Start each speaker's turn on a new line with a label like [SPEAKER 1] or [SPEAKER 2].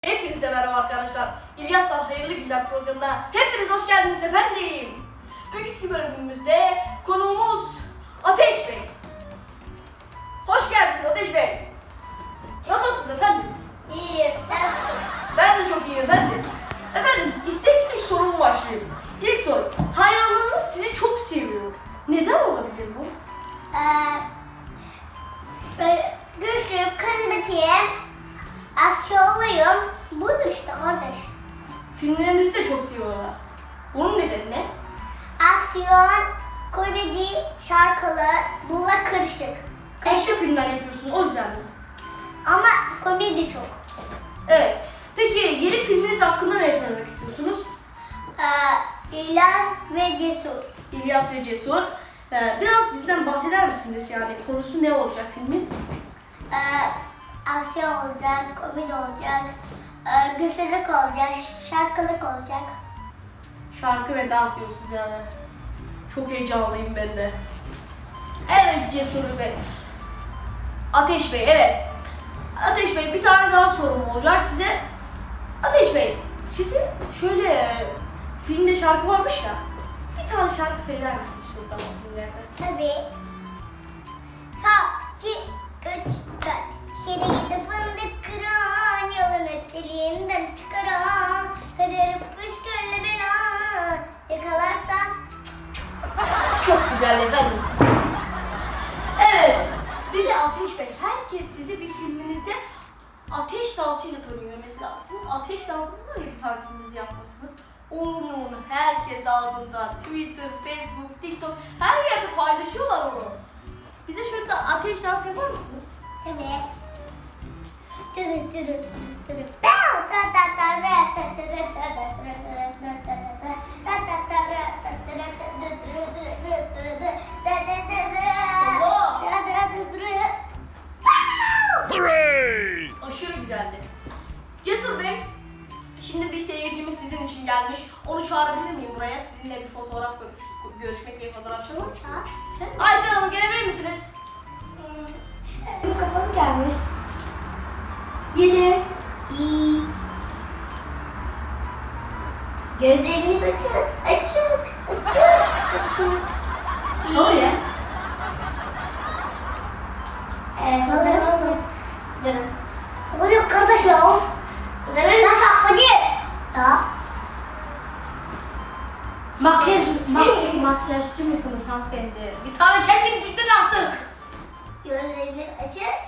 [SPEAKER 1] Hepinize merhaba arkadaşlar. İlyas'la Hayırlı Günler programına hepiniz hoş geldiniz efendim. Bugünkü bölümümüzde konuğumuz Ateş Bey. Hoş geldiniz Ateş Bey. Nasılsınız efendim?
[SPEAKER 2] İyiyim, sensin.
[SPEAKER 1] Ben de çok iyiyim efendim. Efendim istekli sorumu başlayayım. İlk soru. Hayranlarınız sizi çok seviyor. Neden olabilir bu?
[SPEAKER 2] Böyle güçlüyüm, karizmatiyim, aksiyonluyum. Budur işte kardeş.
[SPEAKER 1] Filmlerinizi de çok seviyorlar. Bunun nedeni ne?
[SPEAKER 2] Aksiyon, komedi, şarkılı, bunlar karışık.
[SPEAKER 1] Karışık filmler yapıyorsunuz o yüzden mi?
[SPEAKER 2] Ama komedi çok.
[SPEAKER 1] Evet. Peki yeni filminiz hakkında ne söylemek istiyorsunuz?
[SPEAKER 2] İlan ve Cesur.
[SPEAKER 1] İlyas ve Cesur. Biraz bizden bahseder misiniz yani? Konusu ne olacak filmin?
[SPEAKER 2] Aksiyon olacak, komedi olacak, güçlülük olacak, şarkılık olacak.
[SPEAKER 1] Şarkı ve dans diyorsunuz yani. Çok heyecanlıyım ben de. Evet Cesur Bey. Ateş Bey, evet. Ateş Bey bir tane daha sorum olacak size. Ateş Bey, sizin şöyle filmde şarkı varmış ya. Bir tane şarkı söyler misiniz şuradan o filmlerden?
[SPEAKER 2] Tabii. Sağ, iki, üç, dört. Şere gidi fındık kıran, yolun öteliğinden çıkaran. Kaderi püskülle bela, yakalarsam.
[SPEAKER 1] Çok güzel efendim. Evet. Bir de Ateş Bey, herkes sizi bir filminizde ateş dansıyla tanıyor mesela. Sizin ateş dansınız var ya bir tane filminizde yapmışsınız. Onu herkes ağzında, Twitter, Facebook, TikTok her yerde paylaşıyorlar onu. Bize şöyle bir ateş dansı yapar mısınız?
[SPEAKER 2] Evet. Dürüt dürüt dürüt.
[SPEAKER 1] Aşırı güzeldi. Cesur Bey, şimdi bir seyircimiz sizin için gelmiş. Onu çağırabilir miyim buraya? Sizinle bir fotoğraf görüşmek ve fotoğraf çekmek. Aysel Hanım gelebilir misiniz?
[SPEAKER 2] Kafam gelmiş.
[SPEAKER 1] Gelin.
[SPEAKER 2] İyi. Gözleriniz açık, açık, açık.
[SPEAKER 1] Ne oluyor?
[SPEAKER 2] Fotoğraf mısın? Canım. Oluyor kardeş ya. Ben saklacı. Ya.
[SPEAKER 1] Makyajcı mısınız hanımefendi? Bir tane çekin gidin artık.
[SPEAKER 2] Gözleriniz açık.